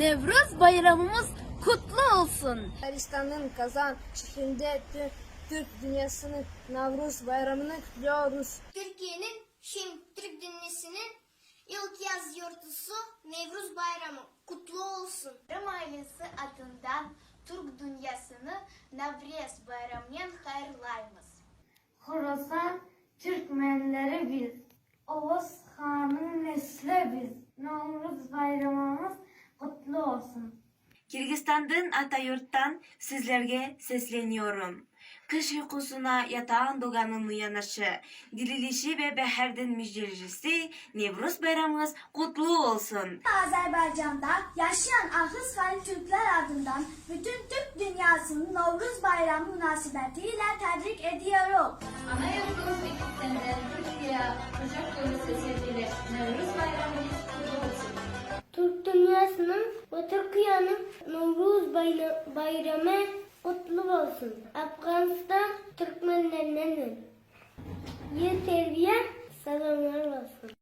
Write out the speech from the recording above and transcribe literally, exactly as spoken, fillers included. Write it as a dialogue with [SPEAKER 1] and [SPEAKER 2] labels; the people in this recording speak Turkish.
[SPEAKER 1] Nevruz bayramımız kutlu olsun.
[SPEAKER 2] Bulgaristan'ın Kazan şehrinde Türk dünyasının Navruz bayramını kutluyoruz.
[SPEAKER 3] Türkiye'nin Şim Türk Dünyası'nın ilk yaz yurtusu Nevruz Bayramı kutlu olsun.
[SPEAKER 4] Bayram ailesi adından Türk dünyasını Nevruz Bayramı'ndan hayırlayımız.
[SPEAKER 5] Horasan Türkmenleri biz, Oğuz Han'ın nesli biz. Navruz bayramımız kutlu olsun.
[SPEAKER 6] Kırgızistan'dan Atayurt'tan sizlerge sesleniyorum. Kış uykusuna yatağın doğanın uyanışı, dirilişi ve beherden müjdelisi Nevruz bayramımız kutlu olsun.
[SPEAKER 3] Azerbaycan'da yaşayan ahıs Halil Türkler adından bütün Türk dünyasının Nevruz Bayramı münasebetiyle tebrik ediyorum.
[SPEAKER 7] Anayurtumuz ikisinden Türkiye kucak dolusu sevgiler. Nevruz bayramımız kutlu olsun.
[SPEAKER 5] Türk dünyasının ve Türkiye'nin Nevruz bayramı kutlu olsun. Afganistan Türkmenlerinin iyi terbiye selamlar olsun.